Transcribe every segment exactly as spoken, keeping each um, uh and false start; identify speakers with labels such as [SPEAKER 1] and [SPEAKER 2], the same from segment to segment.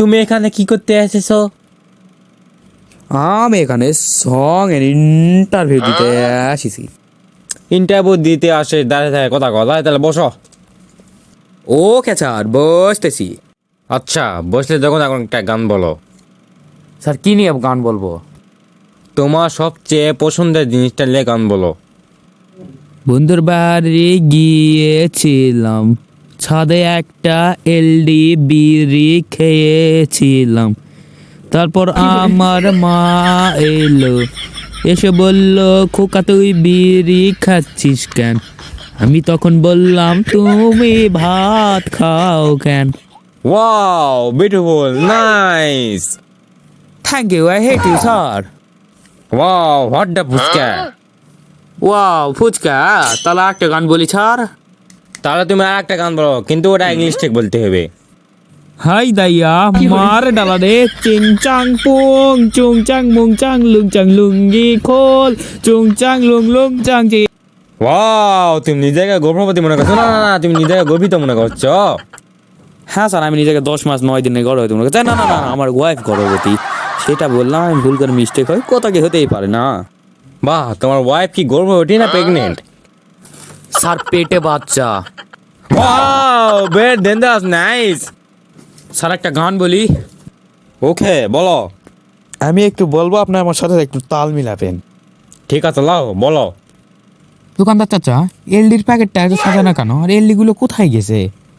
[SPEAKER 1] তুমি এখানে কি করতে এসেছো?
[SPEAKER 2] আমি এখানে সং এর ইন্টারভিউ দিতে আসিছি।
[SPEAKER 1] ইন্টারভিউ দিতে আসে দাঁড়িয়ে থাকে কথা কথা, তাহলে বসো।
[SPEAKER 2] ওকে স্যার, বসতেছি।
[SPEAKER 1] আচ্ছা বসলে যখন এখন একটা গান বলো।
[SPEAKER 2] স্যার কি নিয়ে গান বলবো?
[SPEAKER 1] তোমার সবচেয়ে পছন্দের জিনিসটা নিয়ে গান বলো।
[SPEAKER 2] বন্ধুর বাড়ি গিয়েছিলাম, ছাদে একটা এলডি বিড়ি খেয়েছিলাম। তারপর আমার মা এলো, এসে বলল, খোকা তুই বিড়ি খাচ্ছিস কেন? আমি তখন বললাম, তুমি ভাত খাও কেন?
[SPEAKER 1] Wow beautiful, nice.
[SPEAKER 2] Thank you, I hate you sir.
[SPEAKER 1] Wow what the fuchka.
[SPEAKER 2] Wow fuchka, তাহলে একটা গান বলি স্যার।
[SPEAKER 1] তাহলে তুমি আর একটা গান বলো, কিন্তু ওটা ইংলিশ ঠিক বলতে হবে।
[SPEAKER 2] হাই দাইয়া মার ডালা রে, চিং চাং পুং চুং চাং মুং চাং লুং চাং লুঙ্গি খোল, চুং চাং লুং লুং চাং চি।
[SPEAKER 1] ওয়াও তুমি নিজেকে গর্ভবতী মনে করছো? না না না, তুমি নিজেকে গর্বিত মনে করছো।
[SPEAKER 2] হ্যাঁ স্যার, আমি নিজেকে দশ মাস নয় দিনে গর্ভবতী মনে করছি। না না না, আমার ওয়াইফ গর্ভবতী, সেটা বললাম। আমি ভুল করে মিস্টেক হয়, কথা কি হতেই পারে না।
[SPEAKER 1] বাহ, তোমার ওয়াইফ কি গর্ভবতী না প্রেগনেন্ট?
[SPEAKER 2] স্যার পেটে বাচ্চা।
[SPEAKER 1] Wow very dangerous, nice.
[SPEAKER 2] Sir একটা গান বলি।
[SPEAKER 1] ওকে বলো।
[SPEAKER 2] আমি একটু বলবো, আপনি আমার সাথে একটু তাল মিলাবেন।
[SPEAKER 1] ঠিক আছে লাও বলো।
[SPEAKER 2] দোকানদার চাচা, এলডির প্যাকেটটা এত সাজানো কেন, আর এলডি গুলো কোথায় গেছে?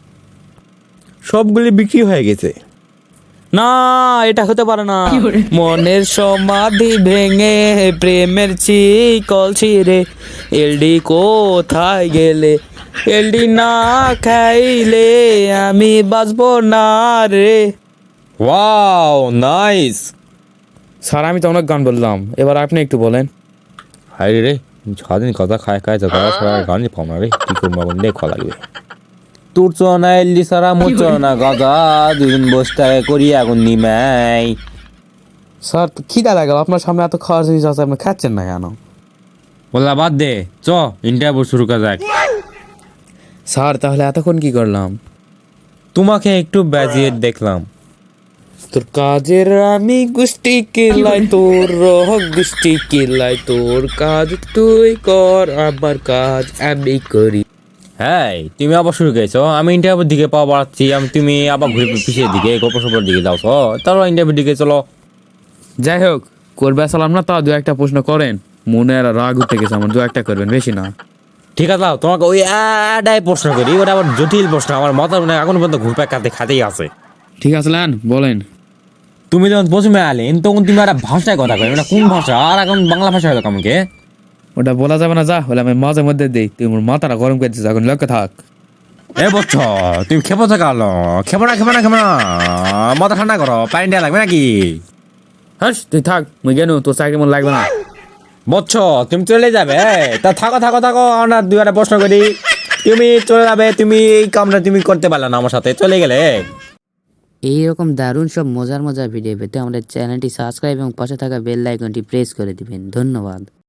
[SPEAKER 1] সবগুলি বিক্রি হয়ে গেছে।
[SPEAKER 2] না, এটা হতে পারে না। মনের সমাধি ভেঙে প্রেমের চিকল ছিঁড়ে, এলডি কোথায় গেলে? এলডি না খাইলে আমি বাঁচবো না রে।
[SPEAKER 1] Wow nice.
[SPEAKER 2] স্যার আমি তো অনেক গান বললাম, এবার আপনি একটু বলেন।
[SPEAKER 1] হাই রে, সারাদিন কথা খায় খায় তো তারা সারা গানই পাও না রে, কি করবো এখন দেখো লাগবে। তোর চনা এল্লি সারা মোর চনা গাদা, দুদিন বসতে করি এখন নিমাই।
[SPEAKER 2] স্যার খিদা লাগলো, আপনার সামনে এত খাওয়ার জিনিস আছে, আপনি খাচ্ছেন না কেন?
[SPEAKER 1] বললা বাদ দে, চ ইন্টারভিউ শুরু করা যাক।
[SPEAKER 2] স্যার তাহলে এতক্ষণ কি করলাম?
[SPEAKER 1] তোমাকে একটু বাজিয়ে দেখলাম।
[SPEAKER 2] তোর কাজের আমি গুষ্টি কিলাই, তোর রহ গুষ্টি কিলাই, তোর কাজ তুই কর, আমার কাজ আমি করি।
[SPEAKER 1] হ্যাঁ তুমি আবার শুরু করেছো, আমি ইন্টারভিউর দিকে পাওয়া বাড়াচ্ছি, আমি তুমি আবার ঘুরে পিছিয়ে দিকে গল্প সপর দিকে যাও। তারপর ইন্টারভিউর দিকে চলো।
[SPEAKER 2] যাই হোক, করবে আসলাম না, তা দু একটা প্রশ্ন করেন। মনে আর রাগ উঠে গেছে আমার, দু একটা করবেন, বেশি না।
[SPEAKER 1] ঠিক আছে যাও, তোমাকে ওই আডাই প্রশ্ন করি, ওটা আবার জটিল প্রশ্ন, আমার মাথার মনে এখন পর্যন্ত ঘুরপাক খাতে খাতেই আছে।
[SPEAKER 2] ঠিক আছে লান, বলেন।
[SPEAKER 1] তুমি যখন প্রথমে আলেন তখন তুমি একটা ভাষায় কথা কই, মানে কোন ভাষা? আর এখন বাংলা ভাষা হলো আমাকে।
[SPEAKER 2] ওটা বলা যাবে না, যা হলে আমি মাঝে মধ্যে দিই। তুই আমার মাথাটা গরম করে দিস, এখন লক্ষ্য থাক।
[SPEAKER 1] এ বচ্চ, তুমি খেপো থাকা আলো, খেপো না খেপো না খেপো না, মাথা ঠান্ডা করো, পানি দেওয়া লাগবে নাকি?
[SPEAKER 2] হ্যাঁ তুই থাক, মুই গেনু, তোর চাকরি মন লাগবে না।
[SPEAKER 1] বচ্চ তুমি চলে যাবে, তা থাকো থাকো থাকো, আমরা দুই একটা প্রশ্ন করি। তুমি চলে যাবে, তুমি এই কামটা তুমি করতে পারলে না, আমার সাথে চলে গেলে।
[SPEAKER 3] এইরকম দারুণ সব মজার মজার ভিডিও পেতে আমাদের চ্যানেলটি সাবস্ক্রাইব এবং পাশে থাকা বেল আইকনটি প্রেস করে দিবেন। ধন্যবাদ।